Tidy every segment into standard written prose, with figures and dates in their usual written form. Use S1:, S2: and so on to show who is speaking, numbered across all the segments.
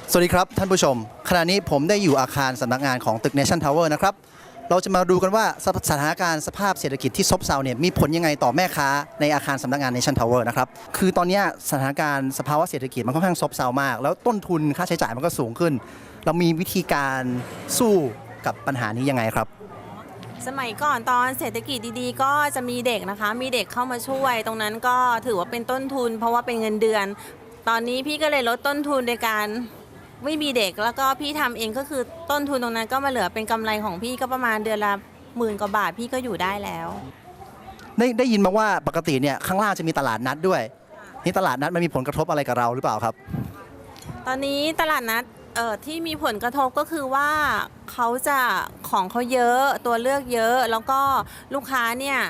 S1: สวัสดีครับท่านผู้ชมขณะนี้ผมได้อยู่อาคารสำนักงานของตึก Nation Tower นะครับเราจะมาดูกันว่าสถานการณ์สภาพเศรษฐกิจที่ซบเซาเนี่ยมีผลยังไงต่อแม่ค้าในอาคารสำนักงาน Nation Tower นะครับคือตอนนี้สถานการณ์สภาวะเศรษฐกิจมันค่อนข้างซบเซามากแล้วต้นทุนค่าใช้จ่ายมันก็สูงขึ้นเรามีวิธีการสู้กับปัญหานี้ยังไงครับ
S2: สมัยก่อนตอนเศรษฐกิจดีๆก็จะมีเด็กนะคะมีเด็กเข้ามาช่วย ตรงนั้นก็ถือว่าเป็นต้นทุนเพราะว่าเป็นเงินเดือนตอนนี้พี่ก็เลยลดต้นทุนในการไม่มีเด็กแล้วก็พี่ทำเองก็คือต้นทุนตรงนั้นก็มาเหลือเป็นกำไรของพี่ก็ประมาณเดือนละ10,000 กว่าบาทพี่ก็อยู่ได้แล้ว
S1: ได้ยินมาว่าปกติเนี่ยข้างล่างจะมีตลาดนัดด้วยนี่ตลาดนัดมันมีผลกระทบอะไรกับเราหรือเปล่าครับ
S2: ตอนนี้ตลาดนัดที่มีผลกระทบก็คือว่าเขาจะของเขาเยอะตัวเลือกเยอะแล้วก็ลูกค้าเนี่ย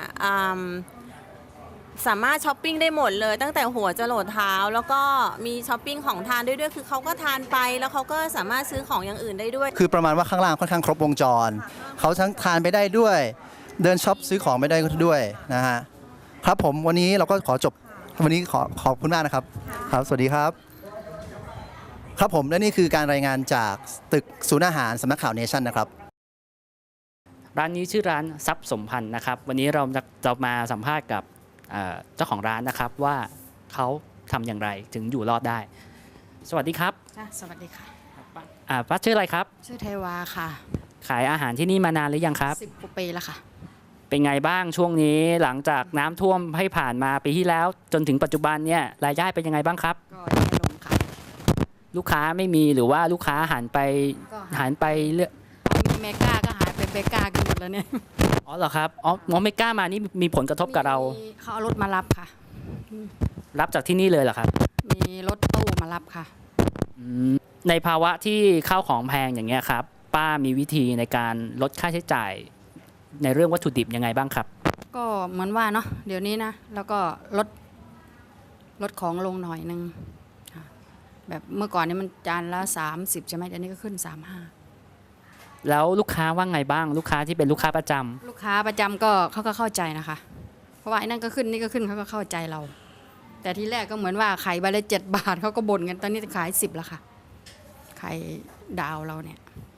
S2: สามารถช้อปปิ้งได้หมดเลยตั้งแต่หัวจรดเท้าแล้วก็มีช้อปปิ้งของทานด้วยคือเขาก็ทานไปแล้วเขาก็สามารถซื้อของอย่างอื่นได้ด้วย
S1: คือประมาณว่าข้างล่างค่อนข้างครบวงจรเขาทั้งทานไปได้ด้วยเดินช็อปซื้อของไปได้ด้วยนะฮะครับผมวันนี้เราก็ขอจบวันนี้ขอบคุณมากนะครับครับสวัสดีครับครับผมและนี่คือการรายงานจากตึกศูนย์อาหารสำนักข่าวเนชั่นนะครับ
S3: ร้านนี้ชื่อร้านทรัพย์สมพันธ์นะครับวันนี้เราจะมาสัมภาษณ์กับเจ้าของร้านนะครับว่าเขาทำอย่างไรถึงอยู่รอดได้สวัสดีครับ
S4: สวัสดีค่ะ
S3: ป้าชื่ออะไรครับ
S4: ชื่อเทวาค่ะ
S3: ขายอาหารที่นี่มานานหรือยังครับ
S4: 10 กว่าปีแล้วค่ะ
S3: เป็นไงบ้างช่วงนี้หลังจากน้ำท่วมให้ผ่านมาปีที่แล้วจนถึงปัจจุบันเนี่ยรายได้เป็นยังไงบ้างครับ
S4: ก็แย่ลงค่ะ
S3: ลูกค้าไม่มีหรือว่าลูกค้าหันไปเลือก
S4: มีเมกาก็หายไปเบกากันหมดแล้วเนี่ย
S3: อ๋อเหรอครับอ๋อเมกามานี่มีผลกระทบกับเรา
S4: เขาเอารถมารับค่ะ
S3: รับจากที่นี่เลยเหรอครับ
S4: มีรถตู้มารับค่ะ
S3: ในภาวะที่ข้าวของแพงอย่างเงี้ยครับป้ามีวิธีในการลดค่าใช้จ่ายในเรื่องวัตถุดิบยังไงบ้างครับ
S4: ก็เหมือนว่าเนาะเดี๋ยวนี้นะแล้วก็ลดของลงหน่อยนึงแบบเมื่อก่อนนี้มันจานละ30ใช่ไหมเดี๋ยวนี้ก็ขึ้น35
S3: แล้วลูกค้าว่าไงบ้างลูกค้าที่เป็นลูกค้าประจำ
S4: ลูกค้าประจำก็เขาก็เข้าใจนะคะเพราะว่าไอ้นั่นก็ขึ้นนี่ก็ขึ้นเขาก็เข้าใจเราแต่ที่แรกก็เหมือนว่าไข่ใบละ7 บาทเขาก็บ่นกันตอนนี้ขาย10แล้วค่ะไข่ดาวเราเนี่ย